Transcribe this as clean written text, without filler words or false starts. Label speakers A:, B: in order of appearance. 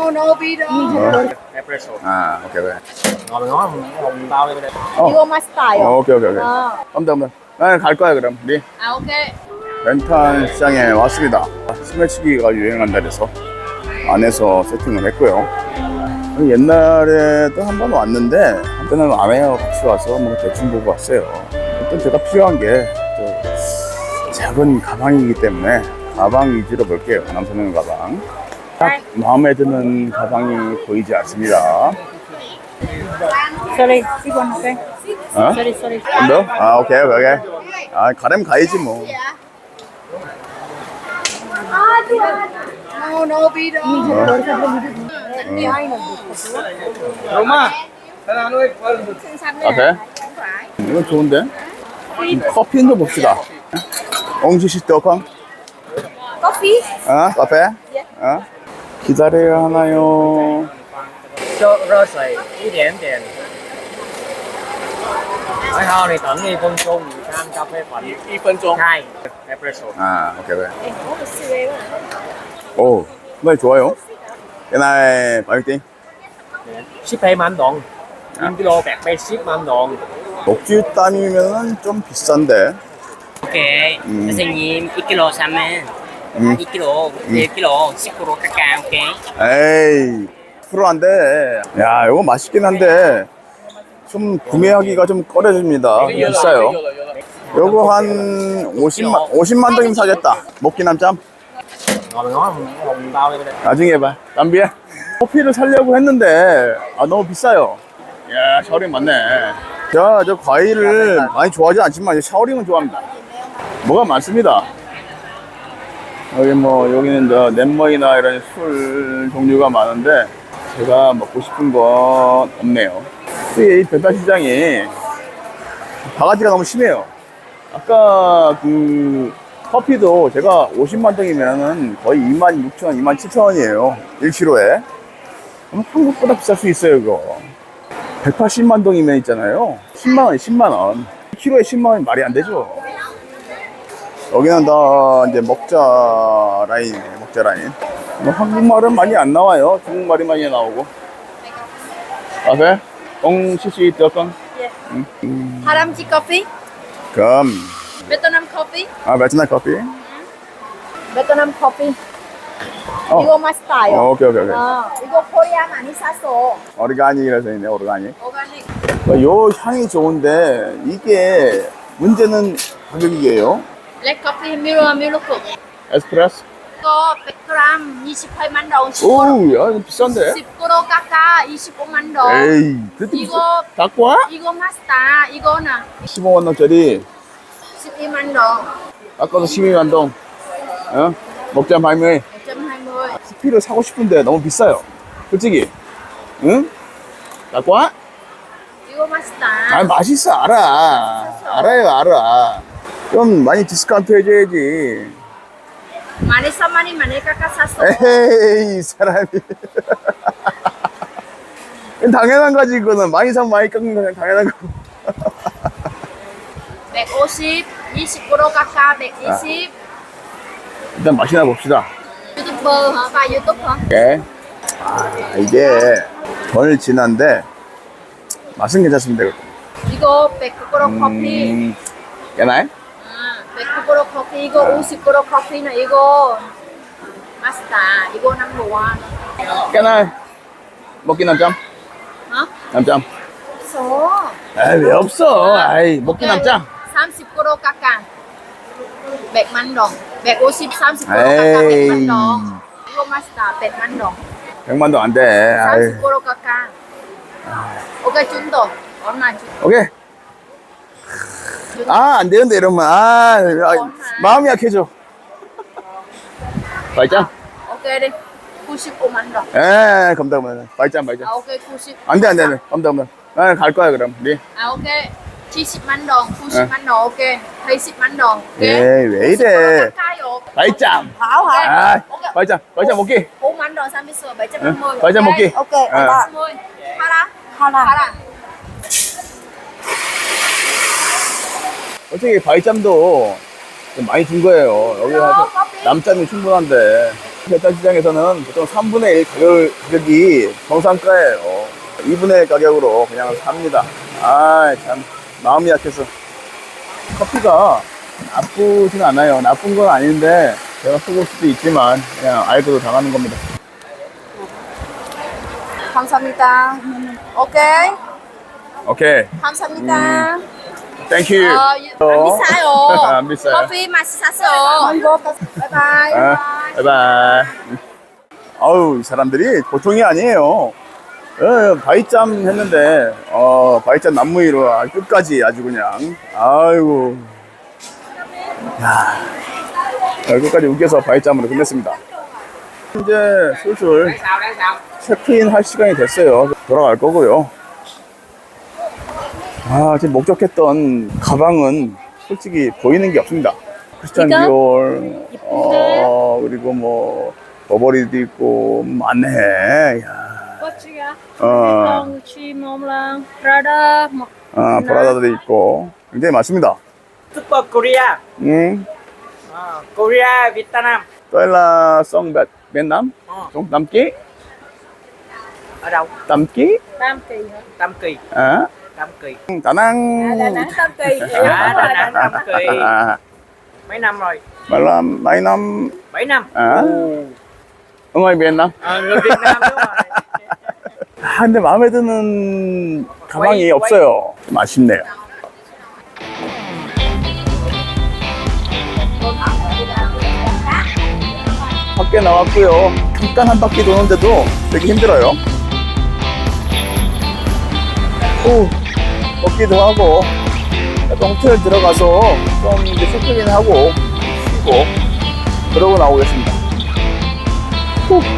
A: no biết đâu.
B: Espresso.
C: 아, 오케이, 오케이.
B: Ngon ngon, hồng bao đây.
A: 이거 맛있다요.
C: 오케이, 오케이, 오케이.
A: 어.
C: 감사합니다. 나는 갈 거야, 그럼. 우리
A: 아, 오케이.
C: 렌탈 시장에 왔습니다. 스매치기가 유행한다 그래서 안에서 세팅을 했고요. 옛날에도 한 번 왔는데 한때는 아내하고 같이 와서 뭐 대충 보고 왔어요. 일단 제가 필요한 게 작은 가방이기 때문에 가방 위주로 볼게요. 남성용 가방. 딱 마음에 드는 가방이 보이지 않습니다.
A: Sorry, 이건 오케이.
C: 어?
A: Sorry.
C: 너? 아, 오케이, 오케이. 아, 가려면 가야지 뭐.
A: No biết đâu.
B: Roma.
C: 아, 돼? 이건 좋은데? 커피 한잔 봅시다. 옹지시 떡강?
A: Coffee.
C: 카페? 기다려야 하나요?
B: Cho rơ sợi ít điểm tiền. Nói ho thì tận 2 phân chung sang cà phê phận 2 phân chung. 2 espresso.
C: 아, 오케이, 오케이. 오, 정말 좋아요. 옛날 바이팅.
B: Ship thêm anh Đoàn. 1kg bạc bay ship anh Đoàn.
C: 녹지 땀이면은 좀 비싼데.
D: Ok, 선생님 2kg 사면 2kg, 1kg 10% 깎아, ok?
C: 에이, 프로 안 돼. 야, 이거 맛있긴 한데 좀 구매하기가 좀 꺼려집니다. 비싸요. 요거 한 50만 동이면 사겠다. 먹기 남짬.
B: Ngon ngon, hồng bao đây.
C: 나중에 봐. 남비야. 커피를 사려고 했는데 너무 비싸요. 야, 샤워링 맞네. 제가 저 과일을 많이 좋아하지 않지만 샤워링은 좋아합니다. 뭐가 많습니다. 여기는 저 넷머이나 이런 술 종류가 많은데 제가 먹고 싶은 건 없네요. 이 배달시장이 바가지가 너무 심해요. 아까 그 커피도 제가 50만 동이면은 거의 26,000원, 27,000원이에요. 1kg에. 그럼 한국보다 비쌀 수 있어요, 이거. 180만 동이면 있잖아요. 10만원, 10만원. 1kg에 10만원이 말이 안 되죠. 여기는 다 이제 먹자 라인이에요, 먹자 라인. 뭐 한국말은 많이 안 나와요. 중국말이 많이 나오고. 카페? 옹시시 떡강?
A: 다람쥐 커피?
C: 그럼.
A: 베트남 커피?
C: 베트남 커피?
A: 베트남 커피. 이거 맛있다요.
C: 오케이.
A: 이거 코리아 많이 샀어.
C: 오르가닉이라서 있네, 오르가닉.
A: 오가닉.
C: 요 향이 좋은데 이게 문제는 가격이에요.
A: 블랙 커피 밀크.
C: 에스프레소?
A: 이거 100g 28만 원.
C: 오우, 야, 이거 비싼데?
A: 10kg 깎아 25만 원.
C: 에이, 그때
A: 이거
C: 갖고 와?
A: 이거 맛있다. 이거는
C: 15만 원짜리
A: 12만 원.
C: 아까도 12만 동. 먹자 발매.
A: 120.
C: 커피를 사고 싶은데 너무 비싸요. 솔직히. 응? 갖고 와?
A: 이거 맛있다.
C: 맛있어, 알아. 좀 많이 디스카운트 해줘야지.
A: 많이 사 많이 깎아 샀어.
C: 에이, 사람이. 당연한 거지, 이거는. 많이 사면 많이 깎는 거 당연한 거.
A: 150, 20% 깎아 120.
C: 일단 맛이나 봅시다.
A: 유튜버 hả? Bài YouTube hả?
C: 네. 이게 덜 진한데 맛은 괜찮습니다.
A: 이거 100% 커피.
C: 깨나요?
A: 100% 커피. 이거 50% 커피는 이거 맛있다. 이거 넘버 1.
C: 깨나요? 먹기 남짬?
A: 어?
C: 남짬?
A: 없어.
C: 왜 없어? 먹기 남짬?
A: 30% 깎아 100만 원. 150, 30% 깎아 100만 원. 이거 맛있다. 100만 원.
C: 100만 동 안 돼.
A: 30% 깎아. 오케이, 준도. 얼마 준?
C: 오케이. 안 되는데 이러면 마음이 약해져. 발짱?
A: 오케이, đi. 95만 원.
C: 감사합니다. 발짱.
A: 오케이, 90.
C: 안 돼. 감사합니다. 나는 갈 거야 그럼. 우리.
A: 오케이. 70만 원, 90만 원, 오케이. 80만 원.
C: 왜 이래? 발짱.
A: hả?
C: 발짱 먹기.
A: 4만 원, 30, 750.
C: 발짱 먹기.
A: 오케이, 80. 하라.
C: 솔직히 바이짬도 좀 많이 준 거예요. 여기 와서 남짬이 충분한데 배달시장에서는 보통 3분의 1 가격이 정상가예요. 2분의 1 가격으로 그냥 삽니다. 아, 참 마음이 약해서. 커피가 나쁘진 않아요. 나쁜 건 아닌데 제가 속을 수도 있지만 그냥 알고도 당하는 겁니다.
A: 감사합니다. 오케이.
C: 오케이,
A: 감사합니다.
C: 땡큐.
A: 안 비싸요.
C: 안 비싸요.
A: 커피 맛있었어. 바이바이.
C: 바이바이. 아우, 이 사람들이 보통이 아니에요. 예, 바이짬 했는데, 바이짬 남무이로 끝까지 아주 그냥, 아이고. 야, 끝까지 웃겨서 바이짬으로 끝냈습니다. 이제 슬슬 체크인 할 시간이 됐어요. 돌아갈 거고요. 아, 지금 목적했던 가방은 솔직히 보이는 게 없습니다. 크리스찬 디올, 그리고 뭐, 버버리도 있고, 많네. 야. 브라다도 있고, 굉장히 많습니다.
D: Super Korea. Korea, Vietnam.
C: 또일라 송 베트남? 좀 남기?
D: Ở đâu?
C: 남기?
D: Tam Kỳ.
C: 아?
D: Tam Kỳ.
C: 다낭.
A: Tam Kỳ.
D: Đà Nẵng Tam Kỳ. Mấy năm rồi?
C: 말람, 마이남.
D: 7 năm.
C: 아? 응어이 베트남?
D: Người Việt Nam đúng rồi.
C: 아, 근데 마음에 드는 가방이 없어요. 좀 아쉽네요. 밖에 나왔고요. 잠깐 한 바퀴 도는데도 되게 힘들어요. 걷기도 하고, 또 호텔 들어가서 좀 이제 체크인 하고 쉬고 그러고 나오겠습니다.